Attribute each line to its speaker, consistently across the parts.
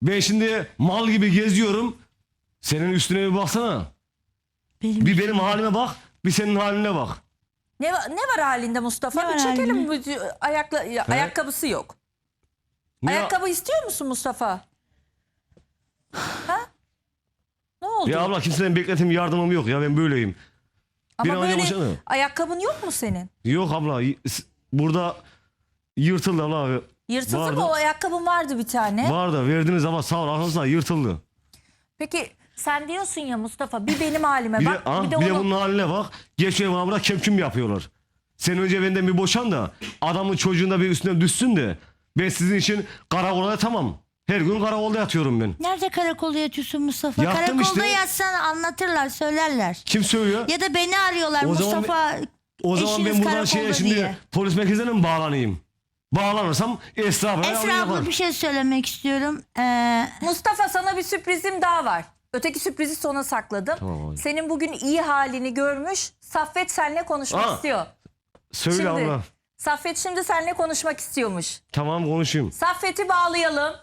Speaker 1: Ben şimdi mal gibi geziyorum. Senin üstüne bir baksana. Bir benim halime bak, bir senin haline bak.
Speaker 2: Ne var halinde Mustafa?
Speaker 3: Ne
Speaker 2: Bir
Speaker 3: var
Speaker 2: çekelim.
Speaker 3: halinde?
Speaker 2: Ayakkabısı yok.
Speaker 1: Ne-
Speaker 2: Ayakkabı istiyor musun Mustafa? Ha? Ne oldu?
Speaker 1: Ya abla kimseden bekletim yardımım yok ya, ben böyleyim. Bir
Speaker 2: Ama
Speaker 1: an önce
Speaker 2: böyle
Speaker 1: boşanı.
Speaker 2: ayakkabın yok mu senin?
Speaker 1: Yok abla, burada yırtıldı abla.
Speaker 2: Yırtıldı
Speaker 1: Vardı.
Speaker 2: mı? O ayakkabın vardı bir tane.
Speaker 1: Var da verdiniz ama sağ ol arkadaşlar, yırtıldı.
Speaker 2: Peki sen diyorsun ya Mustafa, bir benim halime
Speaker 1: Bir de,
Speaker 2: bak.
Speaker 1: ha,
Speaker 2: bir de
Speaker 1: bir de
Speaker 2: onu...
Speaker 1: bunun haline bak. Geçiyor bana burada kemküm yapıyorlar. Sen önce benden bir boşan da adamın çocuğunda bir üstüne düşsün de ben sizin için karakola tamam. Her gün karakolda yatıyorum ben.
Speaker 3: Nerede karakolda yatıyorsun Mustafa?
Speaker 1: Yattım
Speaker 3: Karakolda
Speaker 1: işte.
Speaker 3: yatsan anlatırlar, söylerler.
Speaker 1: Kim söylüyor?
Speaker 3: Ya da beni arıyorlar
Speaker 1: O zaman
Speaker 3: Mustafa
Speaker 1: O zaman
Speaker 3: eşiniz
Speaker 1: ben buradan
Speaker 3: karakolda
Speaker 1: şimdi
Speaker 3: diye.
Speaker 1: polis merkezine mi bağlanayım? Bağlanırsam Esra abla
Speaker 3: Esra abla bir şey söylemek istiyorum.
Speaker 2: Mustafa, sana bir sürprizim daha var. Öteki sürprizi sona sakladım.
Speaker 1: Tamam abi.
Speaker 2: Senin bugün iyi halini görmüş. Saffet seninle konuşmak
Speaker 1: Aa,
Speaker 2: istiyor.
Speaker 1: Söyle
Speaker 2: Şimdi
Speaker 1: abla.
Speaker 2: Saffet şimdi seninle konuşmak istiyormuş.
Speaker 1: Tamam, konuşayım.
Speaker 2: Saffet'i bağlayalım.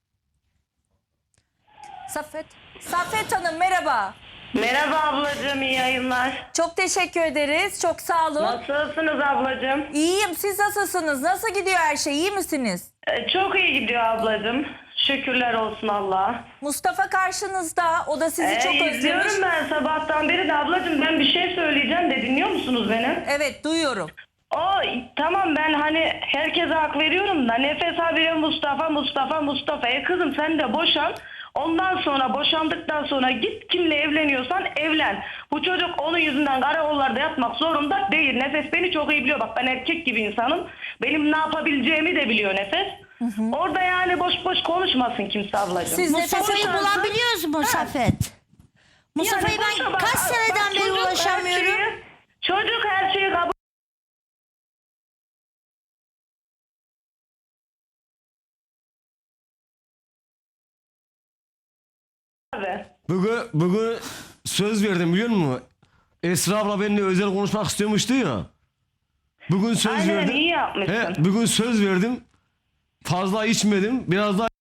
Speaker 2: Saffet Hanım merhaba.
Speaker 4: Merhaba ablacığım, iyi yayınlar.
Speaker 2: Çok teşekkür ederiz. Çok sağ olun.
Speaker 4: Nasılsınız ablacığım?
Speaker 2: İyiyim. Siz nasılsınız? Nasıl gidiyor her şey? İyi misiniz?
Speaker 4: Çok iyi gidiyor ablacığım. Şükürler olsun Allah'a.
Speaker 2: Mustafa karşınızda. O da sizi çok özlemiş.
Speaker 4: İzliyorum ben sabahtan beri de ablacığım, ben bir şey söyleyeceğim de dinliyor musunuz beni?
Speaker 2: Evet, duyuyorum.
Speaker 4: Tamam, ben hani herkese hak veriyorum da Nefes habire Mustafa. Kızım sen de boşan. Ondan sonra boşandıktan sonra git kimle evleniyorsan evlen. Bu çocuk onun yüzünden karakollarda yatmak zorunda değil. Nefes beni çok iyi biliyor. Bak ben erkek gibi insanım. Benim ne yapabileceğimi de biliyor Nefes. Orada yani boş boş konuşmasın kimse ablacığım.
Speaker 2: Siz
Speaker 3: Mustafa'yı
Speaker 2: Nefes'e
Speaker 3: bulabiliyoruz mu Saffet? Mustafa'yı
Speaker 4: Yani
Speaker 3: ben
Speaker 4: boşa bak,
Speaker 3: kaç seneden beri
Speaker 4: çocuk her
Speaker 3: ulaşamıyorum.
Speaker 4: çocuk her şeyi kabul. Abi.
Speaker 1: Bugün söz verdim, biliyor musun? Esra abla benimle özel konuşmak istiyormuştu ya. Bugün söz
Speaker 4: Aynen,
Speaker 1: verdim.
Speaker 4: iyi yapmışsın.
Speaker 1: Bugün söz verdim. Fazla içmedim. Biraz daha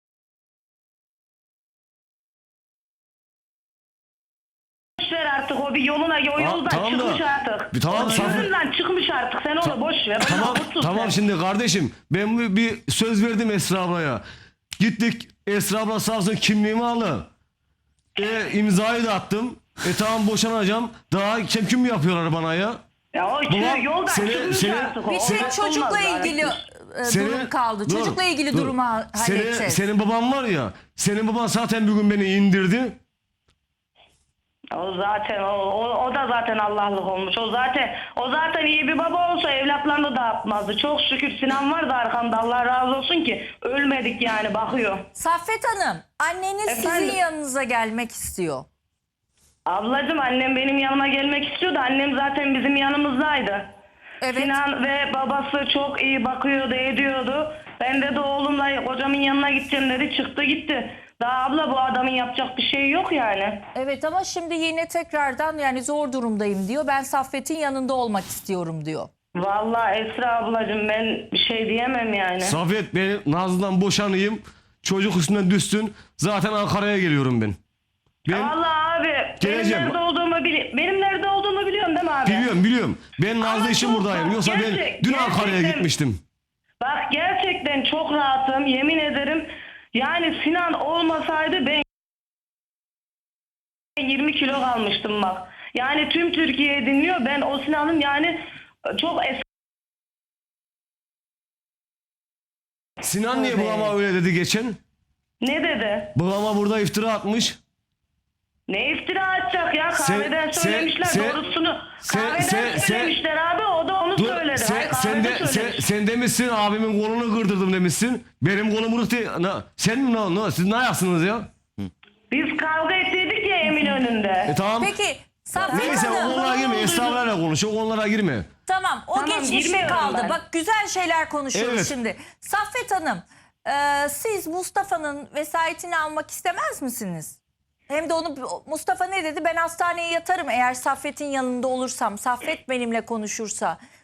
Speaker 4: Boş ver artık, o bir yoluna, o yoldan
Speaker 1: tamam da-
Speaker 4: çıkmış artık.
Speaker 1: Tamam,
Speaker 4: O
Speaker 1: Saffet.
Speaker 4: yoldan çıkmış artık, sen onu boş ver.
Speaker 1: tamam
Speaker 4: Otursun
Speaker 1: tamam
Speaker 4: sen.
Speaker 1: şimdi kardeşim, ben bir söz verdim Esra ablaya. Gittik, Esra abla sağ olsun kimliğimi aldı. İmzayı da attım. Tamam, boşanacağım. Daha kemküm yapıyorlar bana ya.
Speaker 4: Ya o
Speaker 1: Babam,
Speaker 4: yoldan çıkmış
Speaker 1: seni-
Speaker 4: artık o.
Speaker 2: Bir tek
Speaker 4: Olmaz
Speaker 2: çocukla
Speaker 4: zaten.
Speaker 2: ilgili
Speaker 1: Senin-
Speaker 2: durum kaldı.
Speaker 1: dur,
Speaker 2: Çocukla ilgili
Speaker 1: dur.
Speaker 2: durumu halledeceğiz.
Speaker 1: Senin baban var ya. Senin baban zaten bugün beni indirdi.
Speaker 4: O zaten o da zaten Allah'lık olmuş. O zaten iyi bir baba olsa evlatlarını dağıtmazdı. Çok şükür Sinan var da arkamda, Allah razı olsun ki ölmedik yani, bakıyor.
Speaker 2: Saffet Hanım, anneniz
Speaker 4: Efendim?
Speaker 2: sizin yanınıza gelmek istiyor.
Speaker 4: Ablacığım, annem benim yanıma gelmek istiyordu. Annem zaten bizim yanımızdaydı.
Speaker 2: Evet.
Speaker 4: Sinan ve babası çok iyi bakıyordu, ediyordu. Ben de oğlumla kocamın yanına gideceğim dedi. Çıktı gitti. Daha abla, bu adamın yapacak bir şey yok yani.
Speaker 2: Evet, ama şimdi yine tekrardan yani zor durumdayım diyor. Ben Saffet'in yanında olmak istiyorum diyor.
Speaker 4: Vallahi Esra ablacığım, ben bir şey diyemem yani.
Speaker 1: Safet, ben Nazlı'dan boşanayım. Çocuk üstüne düşsün. Zaten Ankara'ya geliyorum ben. Ben
Speaker 4: Vallahi abi,
Speaker 1: Geleceğim.
Speaker 4: benim nerede olduğumu biliyorsun değil mi abi?
Speaker 1: biliyorum. Ben Nazlı
Speaker 4: Ama
Speaker 1: için
Speaker 4: çok
Speaker 1: buradayım.
Speaker 4: bak,
Speaker 1: Yoksa ben dün Ankara'ya
Speaker 4: gerçekten-
Speaker 1: gitmiştim.
Speaker 4: Bak gerçekten çok rahatım, yemin ederim. Yani Sinan olmasaydı ben 20 kilo kalmıştım bak. Yani tüm Türkiye dinliyor. Ben o Sinan'ın yani çok
Speaker 1: Sinan niye babama öyle dedi geçen?
Speaker 4: Ne dedi?
Speaker 1: Babama burada iftira atmış.
Speaker 4: Ne iftira atacak ya? Kahveden söylemişler doğrusunu. Kahveden söylemişler abi, o da onu
Speaker 1: Dur,
Speaker 4: söyledi.
Speaker 1: sen,
Speaker 4: Hayır, kahvede söylemiş.
Speaker 1: sen demişsin abimin kolunu kırdırdım demişsin. Benim kolum kırık değil. Sen siz ne yapsınız ya?
Speaker 4: Biz kavga ettiydik ya Eminönü'nde.
Speaker 1: Tamam.
Speaker 2: Peki Saffet
Speaker 1: Neyse, o
Speaker 2: Hanım,
Speaker 1: konulara girme. Estağfurullah konuş. O konulara girme.
Speaker 2: tamam, o
Speaker 4: Tamam,
Speaker 2: geçmişte
Speaker 4: girmiyorum
Speaker 2: kaldı.
Speaker 4: ben.
Speaker 2: Bak, güzel şeyler konuşuyoruz
Speaker 1: Evet.
Speaker 2: şimdi. Saffet Hanım, siz Mustafa'nın vesayetini almak istemez misiniz? Hem de onu, Mustafa ne dedi? Ben hastaneye yatarım eğer Saffet'in yanında olursam, Saffet benimle konuşursa.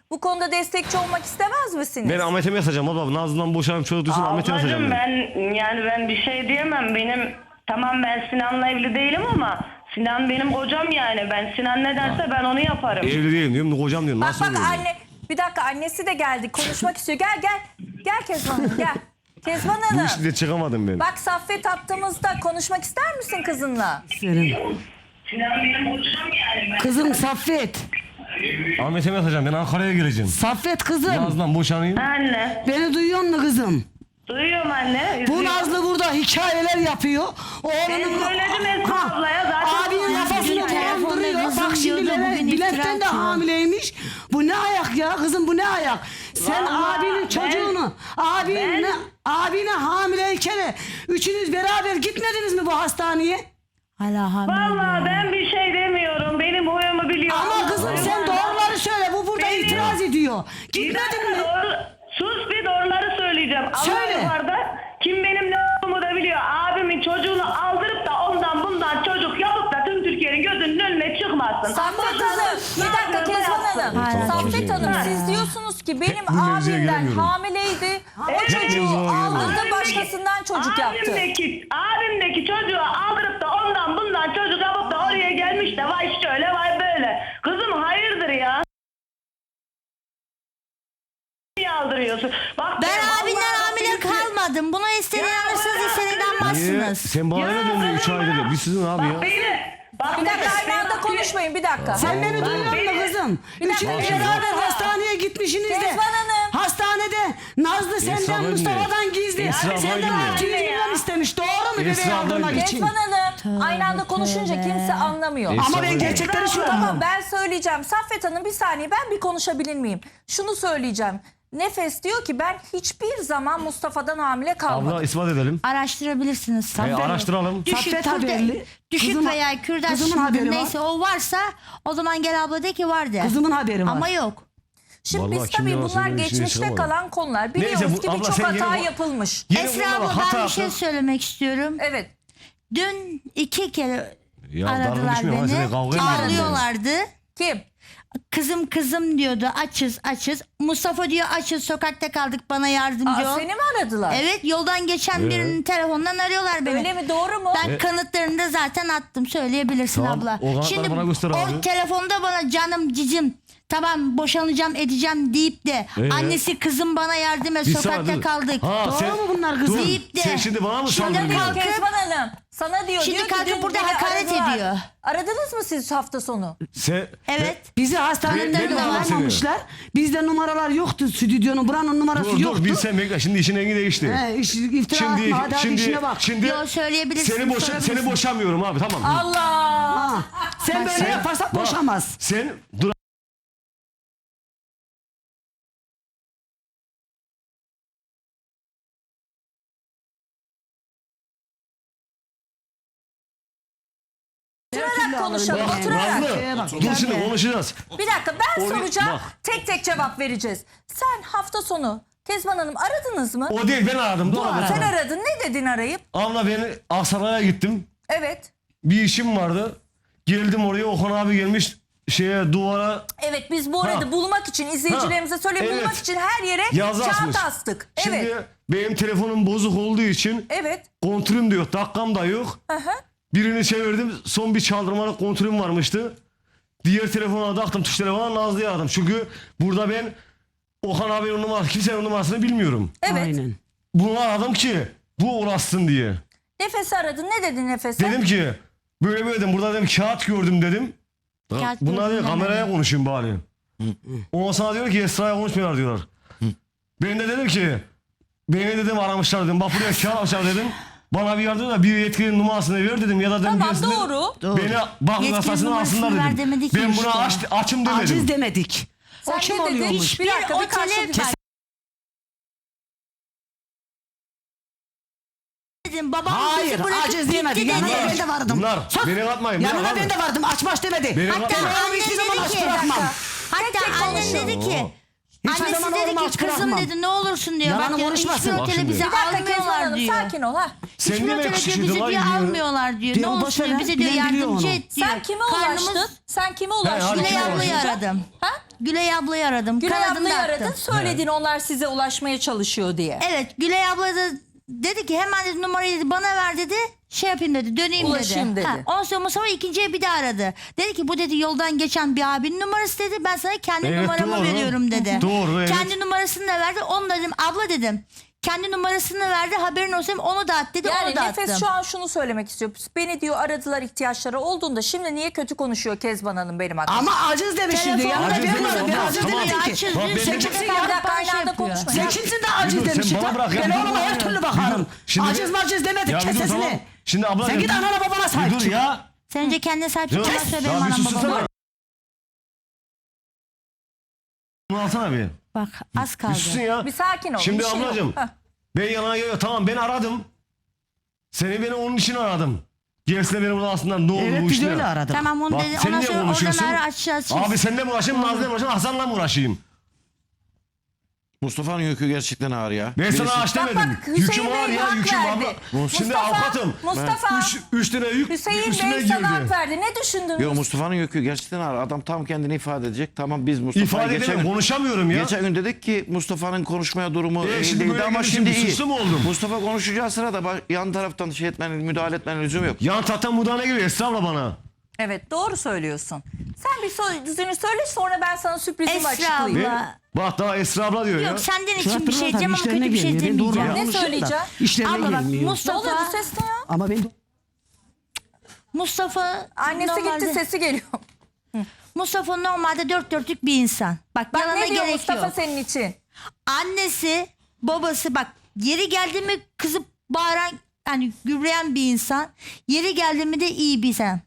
Speaker 2: Bu konuda destekçi olmak istemez misiniz?
Speaker 1: Ben Ahmet'e mesajım abla. Nazlı'dan boşanıp çocuk düşün Ahmet'e mesajım.
Speaker 4: Ablacığım ben bir şey diyemem. Tamam ben Sinan'la evli değilim ama Sinan benim kocam yani. Ben Sinan ne derse ben onu yaparım.
Speaker 1: Evli değilim diyorum. Kocam diyorum.
Speaker 2: Bak
Speaker 1: Nasıl
Speaker 2: bak
Speaker 1: oluyor?
Speaker 2: anne, bir dakika, annesi de geldi, konuşmak istiyor. Gel gel. Gel Kezban Hanım, gel. Kezban
Speaker 1: Bu
Speaker 2: Hanım.
Speaker 1: işte çıkamadım ben.
Speaker 2: Bak Saffet attığımızda konuşmak ister misin kızınla?
Speaker 5: İsterim.
Speaker 4: Sinan benim kocam yani.
Speaker 5: Kızım Saffet.
Speaker 1: Ahmet'e mesajım. Ben Ankara'ya gireceğim.
Speaker 5: Saffet kızım.
Speaker 1: Nazlı'dan boşanayım.
Speaker 4: Anne.
Speaker 5: Beni duyuyor musun kızım?
Speaker 4: Duyuyorum anne.
Speaker 5: Bu
Speaker 4: üzüyorum.
Speaker 5: Nazlı burada hikayeler yapıyor.
Speaker 4: Ben
Speaker 5: Oğlunun
Speaker 4: söyledim Esra ablaya zaten.
Speaker 5: abinin kafasını
Speaker 3: telefonda
Speaker 5: dolandırıyor.
Speaker 3: kızım
Speaker 5: Bak şimdi
Speaker 3: diyordu, bugün
Speaker 5: Bülent'ten
Speaker 3: iftira
Speaker 5: de
Speaker 3: atıyor.
Speaker 5: hamileymiş. Bu ne ayak ya kızım, bu ne ayak? Sen
Speaker 4: Vallahi
Speaker 5: abinin çocuğunu, abine hamileyken üçünüz beraber gitmediniz mi bu hastaneye?
Speaker 3: Hala hamile.
Speaker 4: Vallahi ben bir şey demiyorum. Benim huyumu biliyor.
Speaker 5: Ama kızım sen doğruları söyle. Bu burada
Speaker 4: Benim-
Speaker 5: itiraz ediyor.
Speaker 4: Bir
Speaker 5: Gitmedin mi?
Speaker 4: Sus, bir doğruları söyleyeceğim.
Speaker 5: Söyle.
Speaker 4: Allah yukarıda kim benim ne olduğumu da biliyor. Abimin çocuğunu aldırıp da ondan bundan çocuk yapıp da tüm Türkiye'nin gözünün önüne çıkmasın.
Speaker 2: Saffet Hanım, bir dakika Kezban Hanım.
Speaker 3: Hayır.
Speaker 2: Saffet Hanım, siz diyorsunuz ki benim
Speaker 1: bu mevzuya
Speaker 2: abimden
Speaker 1: giremiyorum.
Speaker 2: hamileydi. O çocuğu
Speaker 1: mevzuya
Speaker 2: aldırdı, başkasından çocuk yaptı.
Speaker 4: Abimdeki çocuğu aldırıp da ondan bundan çocuk yapıp da oraya gelmiş de vay şöyle vay böyle. Kızım hayırdır ya? Niye aldırıyorsun? Bak
Speaker 3: Ben
Speaker 4: vallahi
Speaker 3: abinden hamile kalmadım. Buna istediğin
Speaker 4: Ya
Speaker 3: alırsınız,
Speaker 4: bırak.
Speaker 3: istediğin
Speaker 1: Niye?
Speaker 3: almazsınız.
Speaker 1: Sen bana ne döndün 3 ayda da? Biz sizin abi ya.
Speaker 4: Bak beni. Bak
Speaker 2: Bir dakika,
Speaker 4: beni.
Speaker 2: aynı anda konuşmayın, bir dakika.
Speaker 5: Sen beni duyuyor musun kızım?
Speaker 2: Bir dakika,
Speaker 5: Üçünüz
Speaker 2: Kezban
Speaker 5: beraber
Speaker 2: Hanım.
Speaker 5: hastaneye gitmişsiniz de.
Speaker 2: Kezban Hanım.
Speaker 5: Hastanede Nazlı senden
Speaker 1: Esra
Speaker 5: Mustafa'dan gizli.
Speaker 1: Esra
Speaker 5: Senden
Speaker 1: abla
Speaker 5: 600
Speaker 4: dinle.
Speaker 5: milyon istemiş. Doğru mu
Speaker 1: Esra
Speaker 5: bebeği
Speaker 1: abla
Speaker 5: aldırmak
Speaker 1: dinle.
Speaker 5: için?
Speaker 2: Kezban Hanım, aynı anda konuşunca kimse anlamıyor.
Speaker 5: Ama ben
Speaker 1: Esra
Speaker 5: gerçekleri
Speaker 2: Tamam
Speaker 5: söylüyorum.
Speaker 2: ben söyleyeceğim. Saffet Hanım bir saniye, ben bir konuşabilir miyim? Şunu söyleyeceğim. Nefes diyor ki ben hiçbir zaman Mustafa'dan hamile kalmadım.
Speaker 1: Abla ispat edelim.
Speaker 3: Araştırabilirsiniz.
Speaker 1: Araştıralım.
Speaker 3: Düşük,
Speaker 5: Saffet haberli.
Speaker 3: düşük
Speaker 5: Kızım-
Speaker 3: veya kürdaş
Speaker 5: kızımın haberi var.
Speaker 3: neyse o varsa o zaman gel abla de ki var de.
Speaker 5: Kızımın haberi var.
Speaker 3: Ama yok.
Speaker 2: Şimdi
Speaker 1: Vallahi
Speaker 2: biz
Speaker 1: kim
Speaker 2: tabii
Speaker 1: yalan
Speaker 2: bunlar
Speaker 1: söylüyor, işine
Speaker 2: geçmişte
Speaker 1: çıkamadım.
Speaker 2: kalan konular. Biliyoruz
Speaker 1: Neyse, bu-
Speaker 2: ki
Speaker 1: abla
Speaker 2: birçok
Speaker 1: sen
Speaker 2: hata
Speaker 1: yine bu-
Speaker 2: yapılmış.
Speaker 1: Yine
Speaker 3: Esra
Speaker 1: bunlara
Speaker 3: abla
Speaker 1: hata
Speaker 3: ben bir şey
Speaker 1: yaptın.
Speaker 3: söylemek istiyorum.
Speaker 2: Evet.
Speaker 3: Dün 2 kere
Speaker 1: Ya dalga
Speaker 3: aradılar
Speaker 1: düşmüyor ama seni
Speaker 3: beni.
Speaker 1: kavga ediyorlar.
Speaker 3: Ağlıyorlardı.
Speaker 2: Kim?
Speaker 3: Kızım diyordu, açız. Mustafa diyor açız, sokakta kaldık, bana yardımcı
Speaker 2: Aa,
Speaker 3: ol.
Speaker 2: seni mi aradılar?
Speaker 3: Evet, yoldan geçen birinin telefonundan arıyorlar beni.
Speaker 2: Öyle mi, doğru mu?
Speaker 3: Ben kanıtlarını da zaten attım, söyleyebilirsin
Speaker 1: Tamam,
Speaker 3: abla.
Speaker 1: o kanıtları
Speaker 3: Şimdi
Speaker 1: bana göster abi.
Speaker 3: o telefonda bana canım cicim tamam boşanacağım edeceğim deyip de annesi kızım bana yardım et,
Speaker 1: Bir
Speaker 3: sokakta
Speaker 1: saniye dur.
Speaker 3: kaldık.
Speaker 1: Ha,
Speaker 5: Doğru
Speaker 1: sen-
Speaker 5: mu bunlar kızım?
Speaker 1: Dur,
Speaker 3: Deyip de-
Speaker 1: sen şimdi bana mı
Speaker 3: Şimdi
Speaker 1: saldırıyorsun?
Speaker 3: kalk-
Speaker 2: Kezban Hanım sana diyor.
Speaker 3: Şimdi
Speaker 2: diyor ki
Speaker 3: kalkıp
Speaker 2: dün
Speaker 3: burada
Speaker 2: beni
Speaker 3: hakaret
Speaker 2: aradılar.
Speaker 3: ediyor.
Speaker 2: Aradınız mı siz hafta sonu?
Speaker 1: Sen,
Speaker 3: Evet.
Speaker 5: Bizi hastaneden
Speaker 1: Ben-
Speaker 5: de
Speaker 1: ben de
Speaker 5: almamışlar. Bizde numaralar yoktu. Stüdyonun buranın numarası
Speaker 1: Dur
Speaker 5: yoktu.
Speaker 1: dur bilsen bekle. Şimdi işin rengi değişti.
Speaker 5: İftira atma, hadi işine bak.
Speaker 1: Şimdi
Speaker 3: Yo, söyleyebilirsin,
Speaker 1: seni
Speaker 3: sorabilirsin.
Speaker 1: boşamıyorum abi, tamam.
Speaker 2: Allah.
Speaker 5: Ha, sen böyle yaparsan
Speaker 1: Bak,
Speaker 5: boşamaz.
Speaker 1: Sen dur.
Speaker 2: Oturarak konuşalım,
Speaker 5: Bak,
Speaker 2: oturarak.
Speaker 1: Nazlı, dur şimdi konuşacağız.
Speaker 2: Bir dakika, ben
Speaker 1: Oraya-
Speaker 2: soracağım.
Speaker 1: bak.
Speaker 2: Tek tek cevap vereceğiz. Sen hafta sonu Kezban Hanım aradınız mı?
Speaker 1: O değil, ben aradım. Doğru.
Speaker 2: Sen aradın. Ne dedin arayıp?
Speaker 1: Abla beni Aksaray'a gittim.
Speaker 2: Evet.
Speaker 1: Bir işim vardı. Geldim oraya, Okan abi gelmiş duvara
Speaker 2: Evet, biz bu arada
Speaker 1: Ha.
Speaker 2: bulmak için, izleyicilerimize söyleyeyim,
Speaker 1: Evet.
Speaker 2: bulmak için her yere
Speaker 1: yazı asmış.
Speaker 2: kağıt astık.
Speaker 1: Şimdi
Speaker 2: Evet.
Speaker 1: benim telefonum bozuk olduğu için
Speaker 2: Evet.
Speaker 1: kontrolüm de yok, dakikam da yok.
Speaker 2: Aha.
Speaker 1: Birini çevirdim, son bir çaldırmalık kontrolüm varmıştı. Diğer telefona taktım, tuş telefona Nazlı'ya aradım. Çünkü burada ben Okan abinin numarası, kimsenin numarasını bilmiyorum.
Speaker 2: Evet.
Speaker 5: Aynen.
Speaker 1: Bunu aradım ki bu ulaşsın diye.
Speaker 2: Nefes'i aradın. Ne dedin Nefes'e?
Speaker 1: Dedim ki böyle dedim, burada dedim kağıt gördüm dedim.
Speaker 3: Kağıt
Speaker 1: Bunlar
Speaker 3: gördüm
Speaker 1: diyor kameraya
Speaker 3: demedim.
Speaker 1: konuşayım bari. Ondan sonra diyor ki Esra'ya konuşmuyorlar diyorlar. Ben de dedim ki beni dedim aramışlar dedim. Bak buraya kağıt almışlar dedim. Bana bir yardım da bir yetkilinin numarasını ver dedim. Ya da dedim
Speaker 2: Tamam,
Speaker 1: birisinin
Speaker 2: doğru.
Speaker 1: beni bak
Speaker 3: Yetkili
Speaker 1: numarasını
Speaker 3: numarasını
Speaker 1: alsınlar
Speaker 3: ver
Speaker 1: dedim.
Speaker 3: demedik ki
Speaker 1: Ben buna
Speaker 3: işte.
Speaker 1: açım demedim.
Speaker 5: Aciz demedik. O
Speaker 2: Sen
Speaker 5: kim
Speaker 2: ne dedin?
Speaker 5: oluyormuş?
Speaker 2: Bir dakika, bir
Speaker 3: otele
Speaker 2: karşılık.
Speaker 3: dedim. Babam
Speaker 5: Hayır,
Speaker 3: bizi bırakıp
Speaker 5: aciz
Speaker 3: gitti
Speaker 5: diyemedi.
Speaker 3: dedi.
Speaker 5: Yanına ben de vardım.
Speaker 1: Bunlar
Speaker 5: Sus.
Speaker 1: beni atmayın. beni
Speaker 5: Yanına
Speaker 1: atmayın.
Speaker 5: ben de vardım. Açmaç demedi.
Speaker 1: Beni
Speaker 3: Hatta
Speaker 1: atmayın.
Speaker 5: Ben
Speaker 3: annen
Speaker 5: hiçbir zaman
Speaker 3: dedi
Speaker 5: aç
Speaker 3: ki,
Speaker 5: bırakmam.
Speaker 3: hatta annen dedi ki,
Speaker 5: Hiçbir
Speaker 3: annesi
Speaker 5: zaman
Speaker 3: dedi
Speaker 5: oğlumu
Speaker 3: ki
Speaker 5: aç
Speaker 3: kızım
Speaker 5: bırakmam.
Speaker 3: dedi ne olursun diyor.
Speaker 5: Yalanı
Speaker 3: Bak diyor,
Speaker 5: konuşmasın.
Speaker 3: hiçbir
Speaker 1: Bak
Speaker 3: otele
Speaker 1: şimdi.
Speaker 3: bizi
Speaker 2: Bir dakika Kezban
Speaker 3: almıyorlar
Speaker 2: Hanım,
Speaker 3: diyor.
Speaker 2: sakin ol ha.
Speaker 1: Sen
Speaker 3: Hiçbir
Speaker 1: niye
Speaker 3: otele
Speaker 1: beni
Speaker 3: diyor,
Speaker 1: kışkırtıyorsun
Speaker 3: bizi
Speaker 1: lan?
Speaker 3: diyor
Speaker 1: Gidiyor.
Speaker 3: almıyorlar diyor. Ne
Speaker 5: Diyorum, boş
Speaker 3: olursun
Speaker 5: ver
Speaker 3: diyor,
Speaker 5: lan,
Speaker 3: bize diyor
Speaker 5: bilen biliyor
Speaker 3: yardımcı
Speaker 5: onu.
Speaker 3: et diyor.
Speaker 2: Sen kime
Speaker 3: Karnımız-
Speaker 2: ulaştın? Sen kime
Speaker 1: açtım
Speaker 2: ulaştın?
Speaker 3: Gülay
Speaker 1: Kim
Speaker 3: ablayı
Speaker 1: ulaştı?
Speaker 3: aradım.
Speaker 2: Ha?
Speaker 3: Gülay ablayı aradım.
Speaker 2: Gülay
Speaker 3: Kanadını
Speaker 2: ablayı
Speaker 3: da attım.
Speaker 2: aradın, söyledin onlar size ulaşmaya çalışıyor diye.
Speaker 3: Evet, Gülay abla da dedi ki hemen dedi, numarayı dedi, bana ver dedi. Şey yapayım dedi, döneyim
Speaker 2: Ulaşayım dedi.
Speaker 3: Ondan sonra Mustafa ikinciye bir daha aradı. Dedi ki bu dedi yoldan geçen bir abinin numarası dedi. Ben sana kendi
Speaker 1: Evet,
Speaker 3: numaramı
Speaker 1: doğru.
Speaker 3: veriyorum dedi.
Speaker 1: Doğru, evet.
Speaker 3: Kendi numarasını da verdi. Onu da dedim abla dedim. Kendi numarasını verdi, haberin olsun, onu da at dedi,
Speaker 2: Yani
Speaker 3: onu da
Speaker 2: Nefes
Speaker 3: attım.
Speaker 2: şu an şunu söylemek istiyor. Beni diyor aradılar ihtiyaçları olduğunda, şimdi niye kötü konuşuyor Kezban Hanım benim hakkımda?
Speaker 5: Ama aciz demiş şimdi.
Speaker 3: Telefon-
Speaker 5: Yanında
Speaker 1: Aciz
Speaker 5: bir
Speaker 1: demedim
Speaker 5: var. Ben
Speaker 1: abla,
Speaker 5: aciz
Speaker 1: tamam.
Speaker 5: demedim ki.
Speaker 3: Açız,
Speaker 1: Bak, ben-
Speaker 3: sen
Speaker 1: Bir
Speaker 3: kimsin
Speaker 2: Bir
Speaker 3: daha
Speaker 2: dakika,
Speaker 3: bana
Speaker 2: aynı
Speaker 3: şey
Speaker 2: anda
Speaker 3: yapıyor.
Speaker 2: konuşma.
Speaker 5: Sen kimsin de aciz
Speaker 1: Bir dur,
Speaker 5: demiş.
Speaker 1: sen bana bırak ya,
Speaker 5: Ben
Speaker 1: bir dur
Speaker 5: oğluma her
Speaker 1: ya.
Speaker 5: türlü
Speaker 1: Bir
Speaker 5: bakarım.
Speaker 1: dur. Şimdi
Speaker 5: Aciz maciz demedik,
Speaker 1: Ya bir dur,
Speaker 5: kes
Speaker 1: tamam.
Speaker 5: sesini.
Speaker 1: Şimdi abla
Speaker 5: Sen git anana babana sahip
Speaker 1: dur
Speaker 5: çık.
Speaker 1: ya.
Speaker 3: Sen önce kendine sahip çık.
Speaker 1: Dur.
Speaker 3: Ondan sonra
Speaker 1: Ya
Speaker 3: benim
Speaker 1: bir
Speaker 3: anam
Speaker 1: sussana.
Speaker 3: babam.
Speaker 1: Bunu alsana bir.
Speaker 3: Bak az kaldı.
Speaker 1: Üstün ya.
Speaker 2: Bir sakin ol.
Speaker 1: Şimdi
Speaker 2: bir şey yok.
Speaker 1: ablacığım
Speaker 2: Heh.
Speaker 1: ben yana geliyor. Tamam ben aradım. Seni beni onun için aradım. Gerisine beni burada aslında ne oldu
Speaker 5: Evet
Speaker 1: bu
Speaker 5: biz
Speaker 1: işte.
Speaker 5: öyle aradık.
Speaker 3: Tamam onu
Speaker 1: Bak
Speaker 3: dedi.
Speaker 1: sen
Speaker 3: Ondan
Speaker 1: niye
Speaker 3: sonra
Speaker 1: konuşuyorsun?
Speaker 3: oradan açacağız.
Speaker 1: Abi seninle mi uğraşayım, Nazlı'yla mı uğraşayım, Hasan'la mı uğraşayım?
Speaker 6: Mustafa'nın yükü gerçekten ağır ya.
Speaker 1: Ben sana aç
Speaker 2: Bak
Speaker 1: demedim.
Speaker 2: bak Hüseyin
Speaker 1: Yüküm var
Speaker 2: Bey
Speaker 1: ya,
Speaker 2: hak
Speaker 1: yüküm
Speaker 2: verdi.
Speaker 1: abla. Şimdi avukatım.
Speaker 2: Mustafa,
Speaker 1: Üç tane yük
Speaker 2: Hüseyin
Speaker 1: üstüne
Speaker 2: Bey sana hak
Speaker 1: girdi.
Speaker 2: verdi. Ne düşündün?
Speaker 6: Yo, Mustafa'nın yükü gerçekten ağır. Adam tam kendini ifade edecek. Tamam biz Mustafa'yı
Speaker 1: İfade
Speaker 6: geçen
Speaker 1: edemem,
Speaker 6: gün,
Speaker 1: konuşamıyorum ya.
Speaker 6: geçen gün dedik ki Mustafa'nın konuşmaya durumu iyi
Speaker 1: şimdi
Speaker 6: değildi
Speaker 1: böyle
Speaker 6: ama
Speaker 1: gelince
Speaker 6: şimdi
Speaker 1: bir
Speaker 6: iyi.
Speaker 1: suçlu mu oldum?
Speaker 6: Mustafa konuşacağı sırada yan taraftan şey etmenin, müdahale etmenin lüzum yok.
Speaker 1: Yan tahta mudane geliyor Esra abla bana.
Speaker 2: Evet doğru söylüyorsun. Sen bir sözünü söyle, sonra ben sana sürprizimi
Speaker 3: Esra
Speaker 2: açıklayayım.
Speaker 3: abla.
Speaker 1: Ne? Bak daha Esra abla diyor ya.
Speaker 3: Yok senden için bir
Speaker 5: Şartlarına
Speaker 3: şey
Speaker 5: tabii
Speaker 3: diyeceğim ama
Speaker 5: işlerine
Speaker 3: kötü bir şey
Speaker 5: gelmiyor. Ben doğru
Speaker 3: demeyeceğim.
Speaker 2: Ne
Speaker 5: konuşuyorum da
Speaker 2: söyleyeceğim?
Speaker 5: İşlerine
Speaker 3: Abla bak
Speaker 5: gelmiyor.
Speaker 2: Ne
Speaker 3: Mustafa,
Speaker 2: oluyor bu ses ne ya?
Speaker 5: Ama ben
Speaker 3: Mustafa
Speaker 2: Annesi
Speaker 3: normalde,
Speaker 2: gitti, sesi geliyor.
Speaker 3: Mustafa normalde dört dörtlük bir insan. Bak,
Speaker 2: Bak
Speaker 3: yalana
Speaker 2: ne diyor
Speaker 3: gerek
Speaker 2: Mustafa
Speaker 3: yok.
Speaker 2: senin için?
Speaker 3: Annesi, babası bak yeri geldi mi kızıp bağıran, hani gürleyen bir insan. Yeri geldi mi de iyi bir insan.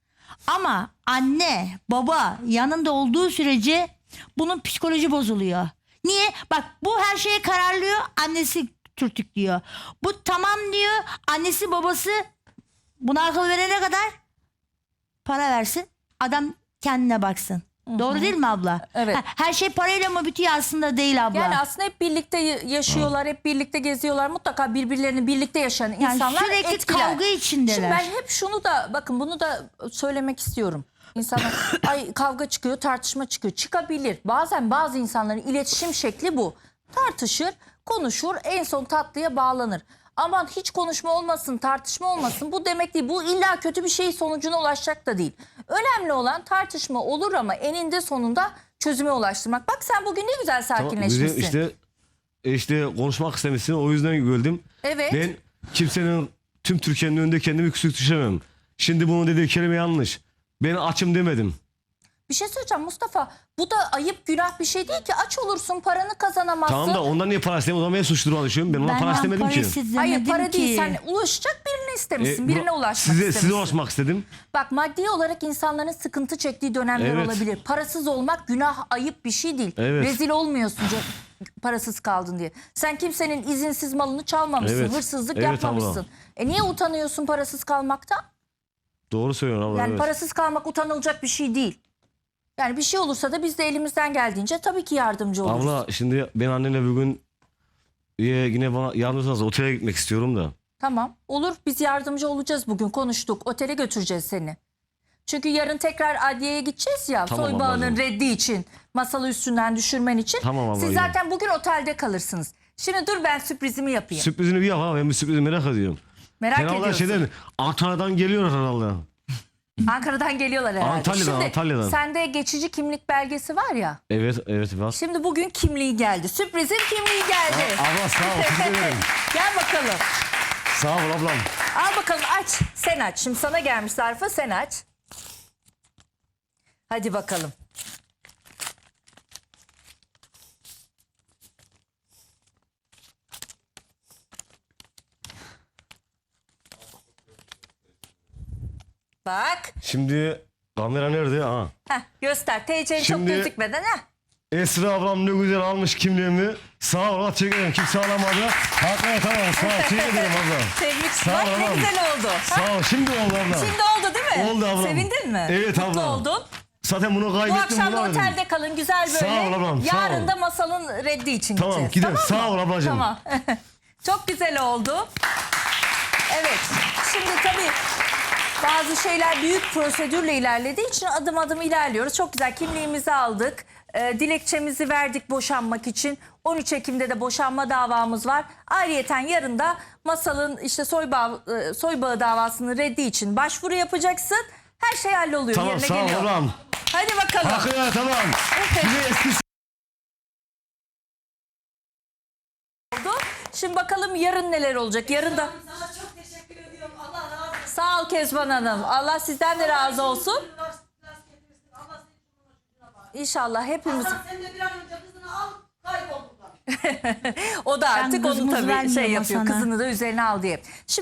Speaker 3: Ama anne, baba yanında olduğu sürece bunun psikoloji bozuluyor. Niye? Bak bu her şeye kararlıyor, annesi türtüklüyor. Bu tamam diyor, annesi babası buna akıl verene kadar para versin, adam kendine baksın. Doğru değil mi abla?
Speaker 2: Evet.
Speaker 3: Her şey parayla mı bitiyor, aslında değil abla.
Speaker 2: Yani aslında hep birlikte yaşıyorlar, hep birlikte geziyorlar. Mutlaka birbirlerini birlikte yaşayan insanlar
Speaker 3: sürekli
Speaker 2: etkiler.
Speaker 3: kavga içindeler.
Speaker 2: Şimdi ben hep şunu da, bakın bunu da söylemek istiyorum. İnsanlar ay kavga çıkıyor, tartışma çıkıyor. Çıkabilir. Bazen bazı insanların iletişim şekli bu. Tartışır, konuşur, en son tatlıya bağlanır. Aman hiç konuşma olmasın, tartışma olmasın. Bu demek değil. Bu illa kötü bir şey sonucuna ulaşacak da değil. Önemli olan tartışma olur ama eninde sonunda çözüme ulaştırmak. Bak sen bugün ne güzel
Speaker 1: Tamam,
Speaker 2: sakinleşmişsin.
Speaker 1: işte konuşmak istemişsin, o yüzden güldüm.
Speaker 2: Evet.
Speaker 1: Ben kimsenin, tüm Türkiye'nin önünde kendimi küçük düşemem. Şimdi bunun dediği kelime yanlış. Ben açım demedim.
Speaker 2: Bir şey söyleyeceğim Mustafa. Bu da ayıp, günah bir şey değil ki. Aç olursun, paranı kazanamazsın.
Speaker 1: Tamam da ondan niye para istemiyorum? O zaman ben suç duruma düşüyorum. Ben ona para istemedim ki.
Speaker 2: Hayır para değil. Sen ulaşacak birini istemişsin. Birine ulaşmak
Speaker 1: size
Speaker 2: istemişsin.
Speaker 1: ulaşmak istedim.
Speaker 2: Bak maddi olarak insanların sıkıntı çektiği dönemler
Speaker 1: Evet.
Speaker 2: olabilir. Parasız olmak günah, ayıp bir şey değil.
Speaker 1: Evet.
Speaker 2: Rezil olmuyorsun parasız kaldın diye. Sen kimsenin izinsiz malını çalmamışsın.
Speaker 1: Evet.
Speaker 2: Hırsızlık
Speaker 1: Evet
Speaker 2: yapmamışsın. Niye utanıyorsun parasız kalmaktan?
Speaker 1: Doğru söylüyorsun abla.
Speaker 2: Yani
Speaker 1: evet.
Speaker 2: parasız kalmak utanılacak bir şey değil. Yani bir şey olursa da biz de elimizden geldiğince tabii ki yardımcı oluruz.
Speaker 1: Abla şimdi ben annenle bugün yine bana yardımcı otele gitmek istiyorum da.
Speaker 2: Tamam olur, biz yardımcı olacağız, bugün konuştuk. Otele götüreceğiz seni. Çünkü yarın tekrar adliyeye gideceğiz ya,
Speaker 1: Tamam
Speaker 2: soy bağının
Speaker 1: ablacığım.
Speaker 2: reddi için, masalı üstünden düşürmen için.
Speaker 1: Tamam abla,
Speaker 2: Siz
Speaker 1: iyi.
Speaker 2: zaten bugün otelde kalırsınız. Şimdi dur ben sürprizimi yapayım.
Speaker 1: Sürprizini bir yap ha, ben bir sürprizi merak ediyorum.
Speaker 2: Merak
Speaker 1: Herhalde
Speaker 2: ediyorsun.
Speaker 1: şeyden, Antalya'dan geliyor herhalde.
Speaker 2: Ankara'dan geliyorlar herhalde.
Speaker 1: Antalya'dan,
Speaker 2: Şimdi
Speaker 1: Antalya'dan.
Speaker 2: sende geçici kimlik belgesi var ya.
Speaker 1: Evet var.
Speaker 2: Şimdi bugün kimliği geldi. Sürprizin kimliği geldi.
Speaker 1: Abla sağ ol, teşekkür ederim.
Speaker 2: Gel bakalım.
Speaker 1: Sağ ol ablam.
Speaker 2: Al bakalım, aç. Sen aç. Şimdi sana gelmiş zarfı, sen aç. Hadi bakalım. Bak.
Speaker 1: Şimdi kamera nerede? Ha.
Speaker 2: Göster. TC'nin çok
Speaker 1: Şimdi-
Speaker 2: gözükmeden.
Speaker 1: Esra ablam ne güzel almış kimliğimi. Sağ ol, teşekkür ederim. Kimse alamadı. Hakikaten tamam, sağ ol. Teşekkür ederim abla.
Speaker 2: Tebrik.
Speaker 1: Sağ ol
Speaker 2: Bak ne
Speaker 1: ablam.
Speaker 2: güzel oldu.
Speaker 1: Sağ ol, şimdi oldu abla.
Speaker 2: Şimdi oldu değil mi?
Speaker 1: Oldu ablam.
Speaker 2: Sevindin mi?
Speaker 1: Evet
Speaker 2: Mutlu
Speaker 1: ablam.
Speaker 2: oldun.
Speaker 1: Zaten bunu
Speaker 2: Bu
Speaker 1: kaybettim.
Speaker 2: akşam da
Speaker 1: bulamadım.
Speaker 2: otelde kalın, güzel böyle.
Speaker 1: Sağ ol ablam, sağ
Speaker 2: Yarın
Speaker 1: ol.
Speaker 2: da masalın reddi için
Speaker 1: Tamam,
Speaker 2: gideceğiz.
Speaker 1: gidelim.
Speaker 2: Tamam
Speaker 1: Sağ
Speaker 2: mı?
Speaker 1: ol ablacığım.
Speaker 2: Tamam. Çok güzel oldu. Evet. Şimdi tabii bazı şeyler büyük prosedürle ilerlediği için adım adım ilerliyoruz. Çok güzel, kimliğimizi aldık. Dilekçemizi verdik boşanmak için. 13 Ekim'de de boşanma davamız var. Ayrıyeten yarın da Masal'ın işte soybağı davasının reddi için başvuru yapacaksın. Her şey halloluyor.
Speaker 1: Tamam
Speaker 2: yerine
Speaker 1: sağ ol
Speaker 2: geliyor.
Speaker 1: ablam.
Speaker 2: Hadi bakalım.
Speaker 1: Hakkı tamam. Bir de eski
Speaker 2: Oldu. Şimdi bakalım yarın neler olacak. Yarın da...
Speaker 5: Sana çok teşekkür ediyorum. Allah razı olsun.
Speaker 2: Sağ ol Kezban Hanım. Allah sizden de razı olsun. İnşallah hepimiz.
Speaker 5: Sen de bir an önce kızını al, kaybol buradan.
Speaker 2: O da artık onu
Speaker 3: kızımızı
Speaker 2: tabii
Speaker 3: vermiyorum
Speaker 2: şey yapıyor.
Speaker 3: sana.
Speaker 2: Kızını da üzerine al diye. Şimdi